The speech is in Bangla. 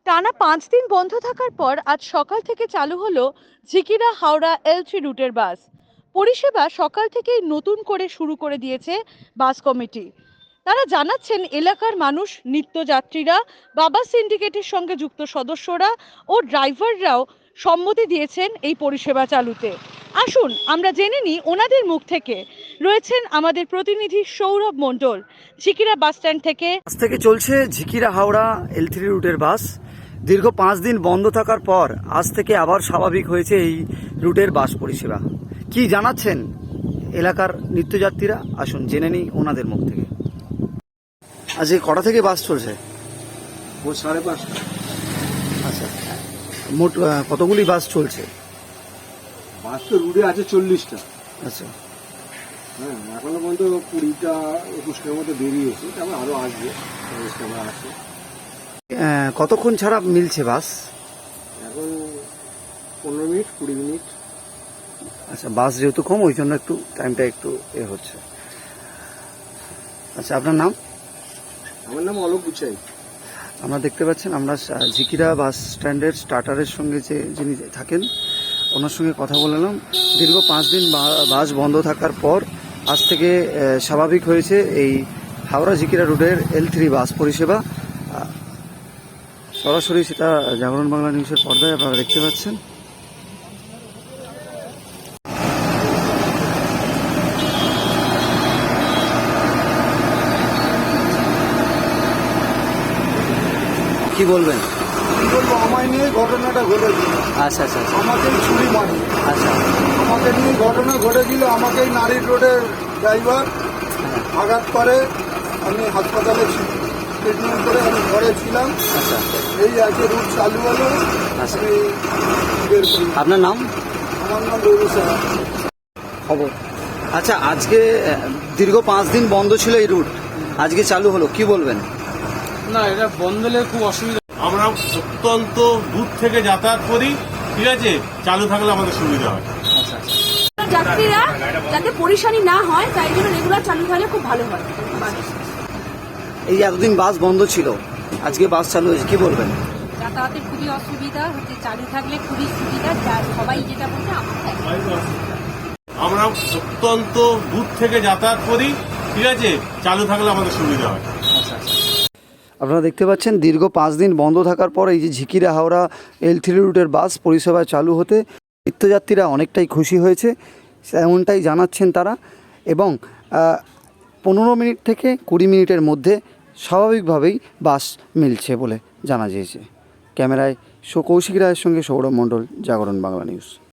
টানা 5 দিন বন্ধ থাকার পর আজ সকাল থেকে চালু হলো ঝিকিরা হাওড়া L3 রুটের বাস পরিষেবা। সকাল থেকেই নতুন করে শুরু করে দিয়েছে বাস কমিটি। তারা জানাচ্ছেন এলাকার মানুষ, নিত্যযাত্রীরা, বাবা সিন্ডিকেটের সঙ্গে যুক্ত সদস্যরা ও ড্রাইভাররাও সম্মতি দিয়েছেন এই পরিষেবা চালুতে। আসুন আমরা জেনে নিই ওনাদের মুখ থেকে। রয়েছেন আমাদের প্রতিনিধি সৌরভ মণ্ডল ঝিকিরা বাস স্ট্যান্ড থেকে। আজ থেকে চলছে ঝিকিরা হাওড়া L3 রুটের বাস। দীর্ঘ 5 দিন বন্ধ থাকার পর আজ থেকে আবার স্বাভাবিক হয়েছে এই রুটের বাস পরিষেবা। কি জানাচ্ছেন এলাকার নিত্যযাত্রীরা, আসুন জেনে নিই ওনাদের মুখ থেকে। আজকে কটা থেকে বাস চলছে? ও 5:30। আচ্ছা, মোট কতগুলি বাস চলছে? বাস তো রুটে আছে 40টা। আচ্ছা, হ্যাঁ, এখনো পর্যন্ত 20টা 21টার মতো বেরিয়েছে, তারপর আরো আসবে। আছে কতক্ষণ ছাড়া মিলছে বাস? এখন 15 মিনিট 20 মিনিট। আচ্ছা, বাস যেহেতু কম ওই জন্য একটু টাইমটা একটু হচ্ছে। আচ্ছা, আপনার নাম? আমার নাম অলোক গুচাই। আমরা দেখতে পাচ্ছেন আমরা ঝিকিরা বাস স্ট্যান্ডের স্টার্টারের সঙ্গে যিনি থাকেন ওনার সঙ্গে কথা বললাম। দীর্ঘ 5 দিন বাস বন্ধ থাকার পর আজ থেকে স্বাভাবিক হয়েছে এই হাওড়া ঝিকিরা রুটের L3 বাস পরিষেবা। সরাসরি সেটা জাগরণ বাংলা নিউজের পর্দায় আপনারা দেখতে পাচ্ছেন। কি বলবেন? কি বলবো, আমায় নিয়ে ঘটনাটা ঘটেছিল। আচ্ছা আচ্ছা আচ্ছা আমাকেই ছুরি মারি। আচ্ছা, আমাকে নিয়ে ঘটনা ঘটেছিল। আমাকেই নারীর রোডের ড্রাইভার আঘাত করে। আমি হাসপাতালে ট্রিটমেন্ট করে আমি ঘরে ছিলাম। আচ্ছা এই আজকে রুট চালু হলো। আচ্ছা, আমি বের করি। আপনার নাম? আমার নাম রবি সাহা। খবর। আচ্ছা, আজকে দীর্ঘ 5 দিন বন্ধ ছিল এই রুট, আজকে চালু হলো, কি বলবেন? না, এটা বন্ধ হলে খুব অসুবিধা। আমরা অত্যন্ত দূর থেকে যাতায়াত করি, ঠিক আছে, চালু থাকলে আমাদের সুবিধা হয়। যাত্রীরা যাতে পরিশানি না হয় তাই জন্য রেগুলার চালু থাকলে খুব ভালো হয়। এই এতদিন বাস বন্ধ ছিল, আজকে বাস চালু হয়েছে, কি বলবেন? যাতায়াতের খুবই অসুবিধা হচ্ছে, চালু থাকলে খুবই সুবিধা। সবাই যেটা বলছে আমরা অত্যন্ত দূর থেকে যাতায়াত করি, ঠিক আছে, চালু থাকলে আমাদের সুবিধা হয়। আপনারা দেখতে পাচ্ছেন দীর্ঘ 5 দিন বন্ধ থাকার পর এই যে ঝিকিরা হাওড়া L3 রুটের বাস পরিষেবা চালু হতে নিত্যযাত্রীরা অনেকটাই খুশি হয়েছে, এমনটাই জানাচ্ছেন তারা। এবং 15 মিনিট থেকে 20 মিনিটের মধ্যে স্বাভাবিকভাবেই বাস মিলছে বলে জানা গিয়েছে। ক্যামেরায় কৌশিক রায়ের সঙ্গে সৌরভ মণ্ডল, জাগরণ বাংলা নিউজ।